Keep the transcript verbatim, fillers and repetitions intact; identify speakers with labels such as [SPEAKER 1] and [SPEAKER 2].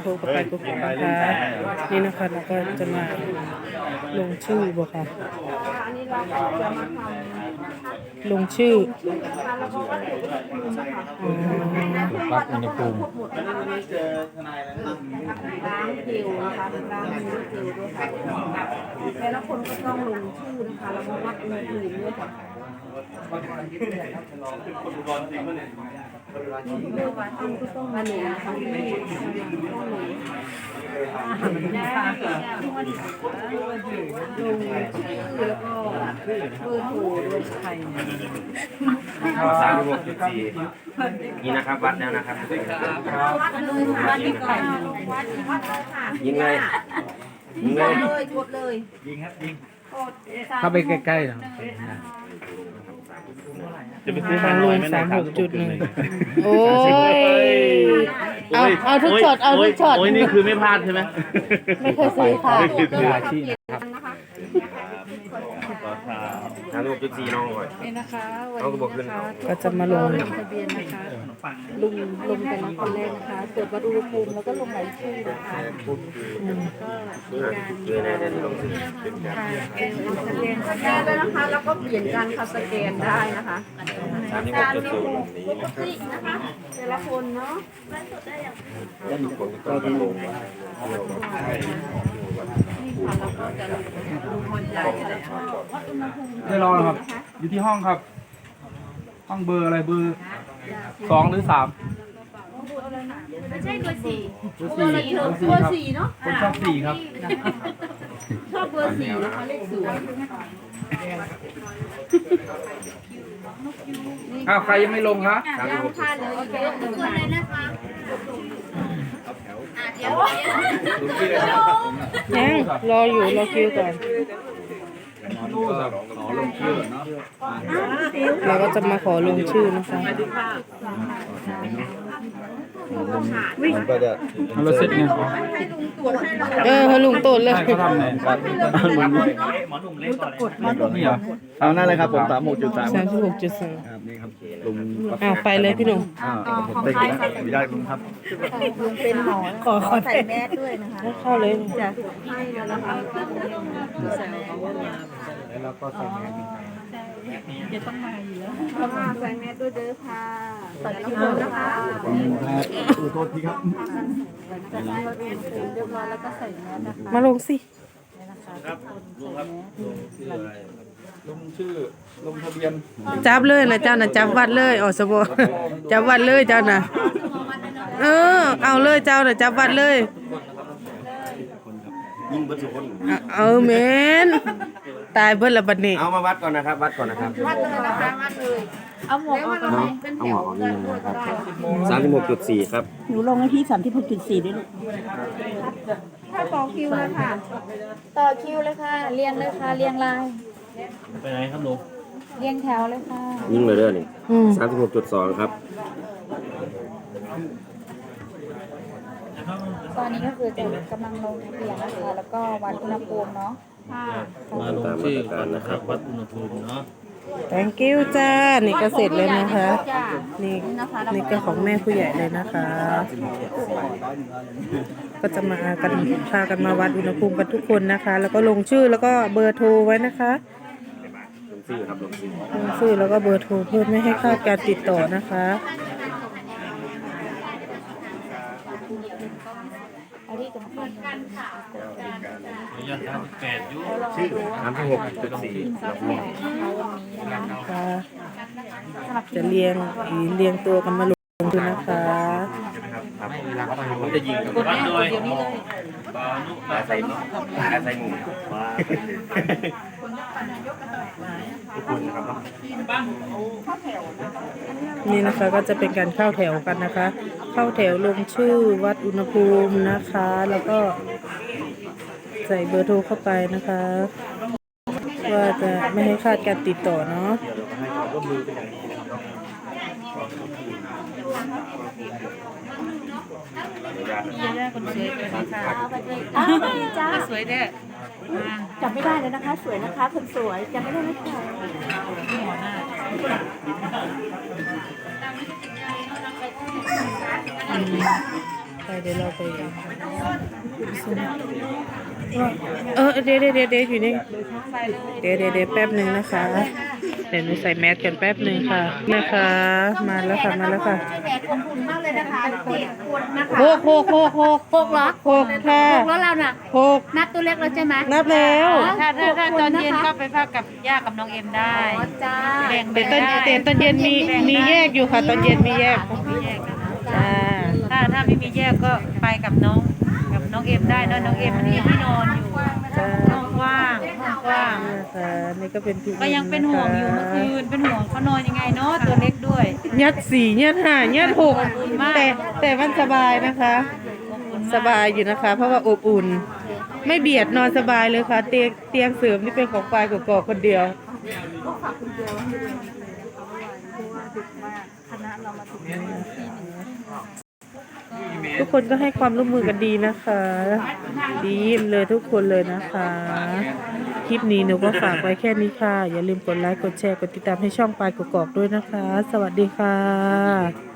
[SPEAKER 1] รเข้าไปกดนะคะนี่นะคะเราก็จะมาลงชื่อบ่ค่ะ
[SPEAKER 2] อันนี้เราก็จะมาท
[SPEAKER 1] ลงชื่อ
[SPEAKER 2] ำแล้วก็วัดอุณหภูมินะคะ
[SPEAKER 1] อ๋อ
[SPEAKER 3] วัดอุณหภูมิ
[SPEAKER 2] ล้างผิวนะคะล้างมือผิวด้วยค่ะแต่ละคนก็ต้องลงชื่อนะคะแล้วก็วัดอุณหภูมิด้วยค่ะเรื่องว่าท่านก็ต้องมาหนุนทั้งที่ต้องหนุนลงชื่อแล้วก็เบอร์โทรด้วยใคร
[SPEAKER 4] สามหกจุดสี่นี่นะครับวัดแล้วนะครับ
[SPEAKER 2] วัดเลยค่ะวัดดีก่อนวัดวัดเลยค่ะ
[SPEAKER 4] ยิงเลยยิงเลย
[SPEAKER 2] เลยกดเลย
[SPEAKER 3] ยิงครับยิง
[SPEAKER 2] กด
[SPEAKER 3] เข้าไปใกล้ๆหน่อย
[SPEAKER 4] จะไปซื้อ
[SPEAKER 1] ทา
[SPEAKER 4] มาง
[SPEAKER 1] ล
[SPEAKER 4] น้อย
[SPEAKER 1] ง
[SPEAKER 4] ไหม
[SPEAKER 1] สาม
[SPEAKER 4] นะค
[SPEAKER 1] ห
[SPEAKER 4] รับ
[SPEAKER 1] กจุดหนึ่งโอ้ยเอาเอาทุกช็อตเอาทุกช็อต
[SPEAKER 4] โอ้ยนี่คือไม่พลาดใช่ไหม
[SPEAKER 1] ไม่เคยซื้อค่ะ
[SPEAKER 3] มืออาชีพนะครับ
[SPEAKER 2] นะคะ
[SPEAKER 4] สามหกจุดสี่น้องก่อน
[SPEAKER 2] นี่นะคะวัน
[SPEAKER 4] น้องก็บอกขึ้น
[SPEAKER 1] ก็จะมาลง
[SPEAKER 2] ลงทะเบียนนะคะลุงลงเป็นคนแรกนะคะตรวจวัดอุณหภูมิแล้วก็ลงรายชื่อนะคะก็มีการ
[SPEAKER 4] เลยนะเดี๋ยวลงซื้อเป็นการ
[SPEAKER 2] สแกนสแกนสแกนได้นะคะแล้วก็เปลี่ยนการค่ะสแกนได้นะคะ
[SPEAKER 4] สามหกจุดศูนย์
[SPEAKER 2] ปกตินะคะแต่ละคนเนาะ
[SPEAKER 4] แล้วทุกคนก็ต้องลง
[SPEAKER 3] ไม่รอหรอกครับ อยู่ที่ห้องครับ ห้องเบอร์อะไรเบอร์สองหรือสาม
[SPEAKER 2] ไม่ใช่เบอร์สี่
[SPEAKER 3] เบอร์สี่เบอร์สี่
[SPEAKER 2] เบอ
[SPEAKER 3] ครั
[SPEAKER 2] ร์
[SPEAKER 3] บ
[SPEAKER 2] สี่เนาะ
[SPEAKER 3] คนชอบสี่ครับ
[SPEAKER 2] ชอบเบอร์สี่นะคะเลขสวย
[SPEAKER 3] อ้าวใครยังไม่ลงคะ
[SPEAKER 2] ยังพลาดเลยเยอะทุกคนเลยนะคะเดี๋ยว
[SPEAKER 1] ยังรออยู่รอคิวก่อนเราก็จะมาขอลงชื่อนะคะ
[SPEAKER 4] ก็จะ
[SPEAKER 3] เราเสร็จเนี่ย
[SPEAKER 1] เออให้ลุงตูดเลย
[SPEAKER 3] ใช่เขาทำไหนครับนี่เหรอ
[SPEAKER 5] เอานั่นเลยครับผมสามหกจุดสาม
[SPEAKER 1] สามสิบหกจุดสอง
[SPEAKER 5] ครับนี่ครับลุง
[SPEAKER 1] อ้าวไปเลยพี่หนุ่ม
[SPEAKER 5] อ่าผมได้กินไม่ได้ลุงครับ
[SPEAKER 2] ลุงเป็นหมอ
[SPEAKER 1] ขอขอ
[SPEAKER 2] ใส่แมสด้วยนะคะ
[SPEAKER 1] เข้าเลย
[SPEAKER 2] จะให้แล้วนะคะใส่แมส
[SPEAKER 3] แล้วเราก็ใส่แมส
[SPEAKER 2] จะต้องมาอยู่แล้วมาใส่แมสด้วยเด้อค่ะตัดคิวนะคะ
[SPEAKER 5] ขอโทษทีครับ
[SPEAKER 2] จัดให้เราเป็นเรียบร้อยแล้วก็ใส่แมสนะคะ
[SPEAKER 1] มาลงสิ
[SPEAKER 3] ลงชื่อลงทะเบียน
[SPEAKER 1] จับเลยนะเจ้านะจับวัดเลยอ๋อสบจับวัดเลยเจ้านะเออเอาเลยเจ้านะจับวัดเลย
[SPEAKER 4] ยิงเบิร์ดสุคน
[SPEAKER 1] เอาเมนตายเบิ้ลละบัดนี้
[SPEAKER 4] เอามาวัดก่อนนะครับ วัดก่อนนะครับ
[SPEAKER 2] วัดเลยนะคะวัดเลยเอาหมวกออกมาเป็นแถวกันด้วยก็ได้
[SPEAKER 4] สามสิบหกจุดสี่ครับ
[SPEAKER 6] หนูลงให้พี่สามที่หกจุดสี่ด้วยลูก
[SPEAKER 2] ถ้าต่อคิวเลยค่ะ ต่อคิวเลยค่ะ เรียงเลยค่ะ เรียงลาย
[SPEAKER 4] ไปไหนครับลุง
[SPEAKER 2] เรียงแถวเลยค่ะ
[SPEAKER 4] ยิงเลยเด้อนี่
[SPEAKER 1] อืม
[SPEAKER 4] สามสิบหกจุดสองครับ
[SPEAKER 2] ตอนนี้ก็คือจะกำลังลงทะเบียนนะคะ แล้วก็วัดอุณหภูมิเนาะค่ะ
[SPEAKER 4] มาตามมาตรการนะครับ วัดอุณหภูมิเนาะ
[SPEAKER 1] thank you จ้านี่ก็เสร็จเลยนะคะ
[SPEAKER 2] จ้า
[SPEAKER 1] นี่นี่ก็ของแม่ผู้ใหญ่เลยนะคะ ก็จะมากันพากันมาวัดอุณหภูมิกันทุกคนนะคะ แล้วก็ลงชื่อแล้วก็เบอร์โทรไว้นะคะ
[SPEAKER 4] ลงชื่อครับลงชื่อ
[SPEAKER 1] ลงชื่อแล้วก็เบอร์โทรเพื่อไม่ให้คลาดการติดต่อนะคะ
[SPEAKER 2] เอาที่สำคัญกันค่ะ
[SPEAKER 4] ชื่อสามสิบหกจุดสี่
[SPEAKER 1] ค่ะจะเรียงเรียงตัวกันมาลงดูนะคะ
[SPEAKER 4] ผมจะยิงกับวัดโดยอาศัยอาศัยหมู่ทุกคนนะครับ
[SPEAKER 1] นี่นะคะก็จะเป็นการเข้าแถวกันนะคะ เข้าแถวลงชื่อวัดอุณหภูมินะคะ แล้วก็ใส่เบอร์โทรเข้าไปนะคะ ว่าจะไม่ให้คลาดการติดต่อเนาะ
[SPEAKER 2] จ้าสวยเด้จำไม่ได้เลยนะคะ สวยนะคะคนสวยจำไม่ได้ไหมคะ
[SPEAKER 1] ไปเดี๋ยวเราไปเออเดี๋ยวเดี๋ยวเดี๋ยวเดี๋ยวอยู่นี่เดี๋ยวเดี๋ยวเดี๋ยวแป๊บหนึ่งนะคะเดี๋ยวหนูใส่แมสกันแป๊บหนึ่งค่ะนะคะ มาแล้วค่ะมาแล้วค่ะ
[SPEAKER 2] ชื่อแหนขอบคุณมากเลยนะคะเจ็ดคนนะคะ
[SPEAKER 1] โคกโคกโคกโคก
[SPEAKER 2] หกเหรอ
[SPEAKER 1] โคกค่ะ
[SPEAKER 2] หกแล้วเราน่ะ
[SPEAKER 1] โคก
[SPEAKER 2] นับตัวเล็กแล้วใช่ไหม
[SPEAKER 1] นับแล้ว
[SPEAKER 7] ถ้าถ้าถ้าตอนเย็นก็
[SPEAKER 2] ไป
[SPEAKER 7] ไปพักกับย่ากับน้องเอ็มได้
[SPEAKER 2] อ๋อจ้า
[SPEAKER 7] แบ่ง
[SPEAKER 1] เดี๋
[SPEAKER 7] แบ่
[SPEAKER 1] ยว
[SPEAKER 7] ง
[SPEAKER 1] ตอน
[SPEAKER 7] ได้
[SPEAKER 1] เดี๋ยวตอนเย็นมีมีแยกอยู่ค่ะตอนเย็นมีแยก
[SPEAKER 7] มีแยกกันนะ
[SPEAKER 1] จ้า
[SPEAKER 7] ถ้าถ้าไม่มีแยกก็ไปกับน้องกับน้องเอ็มได้เนอะน้องเอ็มมันมีที่นอนอยู่
[SPEAKER 1] จ้า
[SPEAKER 7] ห้องกว้างห้องกว้าง
[SPEAKER 1] นะคะนี่ก็เป็นพี่
[SPEAKER 7] ก็ยังเป็นห่วงอยู่เมื่อคืนเป็นห่วงเขานอนยังไงเนาะตัวเล็กด้วย
[SPEAKER 1] ยัดสี่ยัดห้ายัดหก
[SPEAKER 7] อบอุ่นมาก
[SPEAKER 1] แต่แต่มันสบายนะคะ
[SPEAKER 7] อบอุ่นมาก
[SPEAKER 1] สบายอยู่นะคะ เพราะว่าอบอุ่น ไม่เบียดนอนสบายเลยค่ะ เตียงเตียงเสริมนี่เป็นของปลายกกอกคนเดียว ทุกคนก็ให้ความร่วมมือกันดีนะคะ ดีเยี่ยมเลยทุกคนเลยนะคะ คลิปนี้หนูก็ฝากไว้แค่นี้ค่ะ อย่าลืมกดไลค์กดแชร์กดติดตามให้ช่องปลายกกอกด้วยนะคะ สวัสดีค่ะ